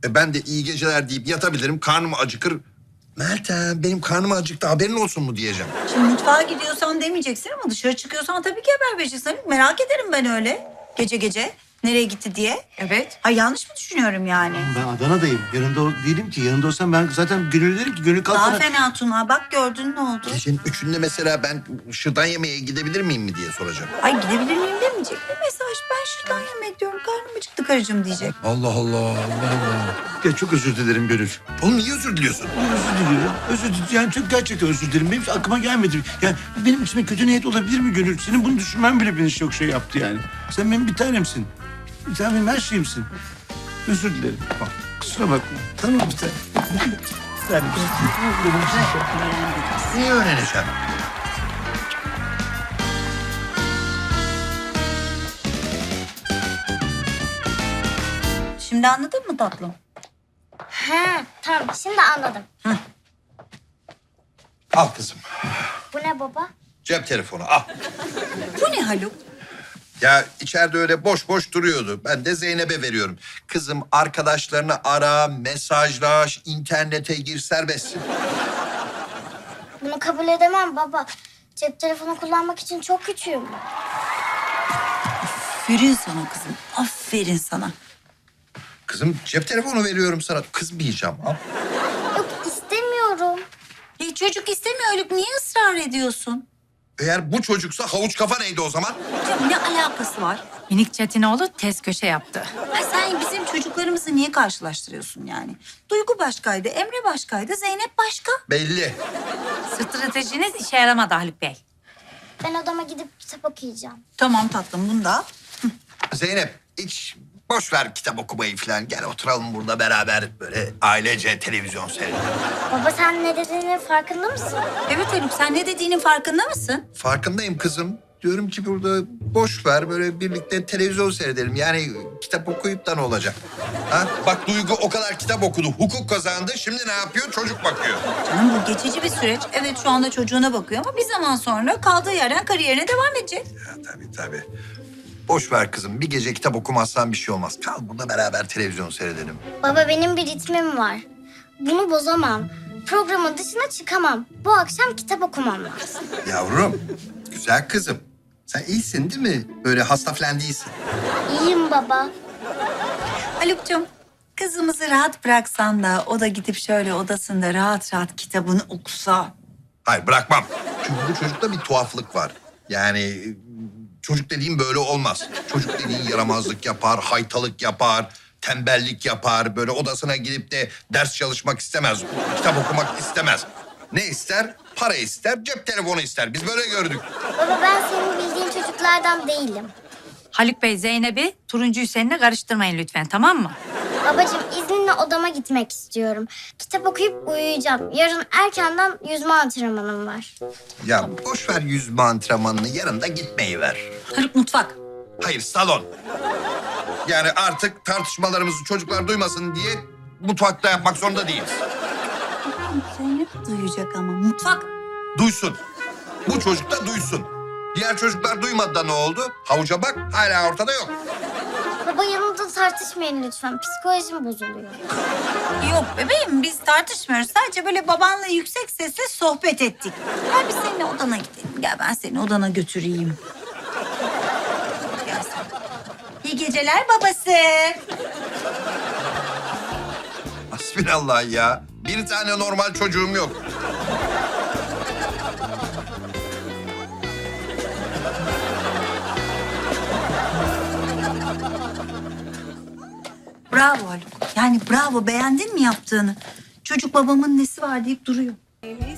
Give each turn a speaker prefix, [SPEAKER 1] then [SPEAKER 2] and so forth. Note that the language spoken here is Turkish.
[SPEAKER 1] Ben de iyi geceler deyip yatabilirim. Karnım acıkır. Meltem benim karnım acıktı haberin olsun mu diyeceğim.
[SPEAKER 2] Şimdi mutfağa gidiyorsan demeyeceksin ama dışarı çıkıyorsan tabii ki haber vereceksin. Merak ederim ben öyle. Gece gece nereye gitti diye.
[SPEAKER 3] Evet.
[SPEAKER 2] Ha yanlış mı düşünüyorum yani?
[SPEAKER 4] Ben Adana'dayım. Yanında değilim ki. Yanında olsam ben zaten Gönül derim ki Gönül kalk
[SPEAKER 2] Daha
[SPEAKER 4] bana.
[SPEAKER 2] fena Tuna. Bak gördün ne oldu?
[SPEAKER 1] Gecenin üçünde mesela ben şırdan yemeye gidebilir miyim mi diye soracağım.
[SPEAKER 2] Ay gidebilir miyim demeyecek. Bir mesaj ben şuradan yemek diyorum. Karnım acıktı karıcığım diyecek.
[SPEAKER 1] Allah Allah Allah Allah.
[SPEAKER 4] Ya çok özür dilerim Gönül.
[SPEAKER 1] Oğlum niye özür diliyorsun?
[SPEAKER 4] Özür diliyorum. Özür dilerim. Yani çok gerçekten özür dilerim. Benim hiç aklıma gelmedi. Yani benim içime kötü niyet olabilir mi Gönül? Senin bunu düşünmen bile beni çok şey yaptı yani. Sen benim bir tanemsin. Sen benim her şeyimsin. Özür dilerim. Bak, kusura bakma. Tamam bir tane. Bir tanemsin.
[SPEAKER 1] Niye öğreneceğim?
[SPEAKER 2] Şimdi anladın mı tatlım?
[SPEAKER 5] Ha, tamam şimdi anladım.
[SPEAKER 1] Al kızım.
[SPEAKER 5] Bu ne baba?
[SPEAKER 1] Cep telefonu al.
[SPEAKER 2] Bu ne Haluk?
[SPEAKER 1] Ya içeride öyle boş boş duruyordu. Ben de Zeynep'e veriyorum. Kızım arkadaşlarını ara, mesajlaş, internete gir serbestsin.
[SPEAKER 5] Bunu kabul edemem baba. Cep telefonu kullanmak için çok küçüğüm.
[SPEAKER 2] Aferin sana kızım. Aferin sana.
[SPEAKER 1] Kızım cep telefonu veriyorum sana. Kızmayacağım. Al.
[SPEAKER 5] Yok istemiyorum.
[SPEAKER 2] Çocuk istemiyor Haluk. Niye ısrar ediyorsun?
[SPEAKER 1] Eğer bu çocuksa havuç kafa neydi o zaman?
[SPEAKER 2] Ya ne alakası var?
[SPEAKER 3] Minik Çetinoğlu tez köşe yaptı.
[SPEAKER 2] Ha, sen bizim çocuklarımızı niye karşılaştırıyorsun yani? Duygu başkaydı, Emre başkaydı, Zeynep başka.
[SPEAKER 1] Belli.
[SPEAKER 3] Stratejiniz işe yaramadı Haluk Bey.
[SPEAKER 5] Ben odama gidip kitap okuyacağım.
[SPEAKER 2] Tamam tatlım bunu da al.
[SPEAKER 1] Zeynep hiç boş ver kitap okumayı falan. Gel oturalım burada beraber böyle ailece televizyon seyredelim.
[SPEAKER 5] Baba sen ne dediğinin farkında mısın?
[SPEAKER 2] Evet Haluk sen ne dediğinin farkında mısın?
[SPEAKER 1] Farkındayım kızım. Diyorum ki burada boş ver böyle birlikte televizyon seyredelim. Yani kitap okuyup da ne olacak? Ha? Bak Duygu o kadar kitap okudu, hukuk kazandı. Şimdi ne yapıyor? Çocuk bakıyor.
[SPEAKER 2] Canım bu geçici bir süreç. Evet şu anda çocuğuna bakıyor ama bir zaman sonra kaldığı yerden kariyerine devam edecek.
[SPEAKER 1] Ya, tabii. Boş ver kızım. Bir gece kitap okumazsan bir şey olmaz. Kal burada beraber televizyon seyredelim.
[SPEAKER 5] Baba benim bir ritmim var. Bunu bozamam. Programın dışına çıkamam. Bu akşam kitap okumam lazım.
[SPEAKER 1] Yavrum, güzel kızım. Sen iyisin değil mi? Böyle hasta falan değilsin.
[SPEAKER 5] İyiyim baba.
[SPEAKER 2] Haluk'cum kızımızı rahat bıraksan da o da gidip şöyle odasında rahat rahat kitabını okusa.
[SPEAKER 1] Hayır bırakmam. Çünkü bu çocukta bir tuhaflık var. Yani çocuk dediğim böyle olmaz. Çocuk dediğin yaramazlık yapar, haytalık yapar, tembellik yapar. Böyle odasına gidip de ders çalışmak istemez, kitap okumak istemez. Ne ister? Para ister, cep telefonu ister. Biz böyle gördük.
[SPEAKER 5] Baba ben senin bildiğin çocuklardan değilim.
[SPEAKER 3] Haluk Bey Zeynep'i Turuncu Hüseyin'le karıştırmayın lütfen, tamam mı?
[SPEAKER 5] Babacığım izninle odama gitmek istiyorum. Kitap okuyup uyuyacağım. Yarın erkenden yüzme antrenmanım var.
[SPEAKER 1] Ya boş ver yüzme antrenmanını, yarın da gitmeyi ver.
[SPEAKER 2] Haluk mutfak.
[SPEAKER 1] Hayır, salon. Yani artık tartışmalarımızı çocuklar duymasın diye mutfakta yapmak zorunda değiliz.
[SPEAKER 2] Zeynep duyacak ama mutfak.
[SPEAKER 1] Duysun. Bu çocuk da duysun. Diğer çocuklar duymadı da ne oldu? Havuca bak, hala ortada yok.
[SPEAKER 5] Baba yanımda tartışmayın lütfen. Psikolojim bozuluyor.
[SPEAKER 2] Yok bebeğim biz tartışmıyoruz. Sadece böyle babanla yüksek sesle sohbet ettik. Gel biz seninle odana gidelim. Gel ben seni odana götüreyim. Gel sen. İyi geceler babası.
[SPEAKER 1] Hasbinallah ya. Bir tane normal çocuğum yok.
[SPEAKER 2] Bravo Haluk. Yani bravo beğendin mi yaptığını? Çocuk babamın nesi var deyip duruyor.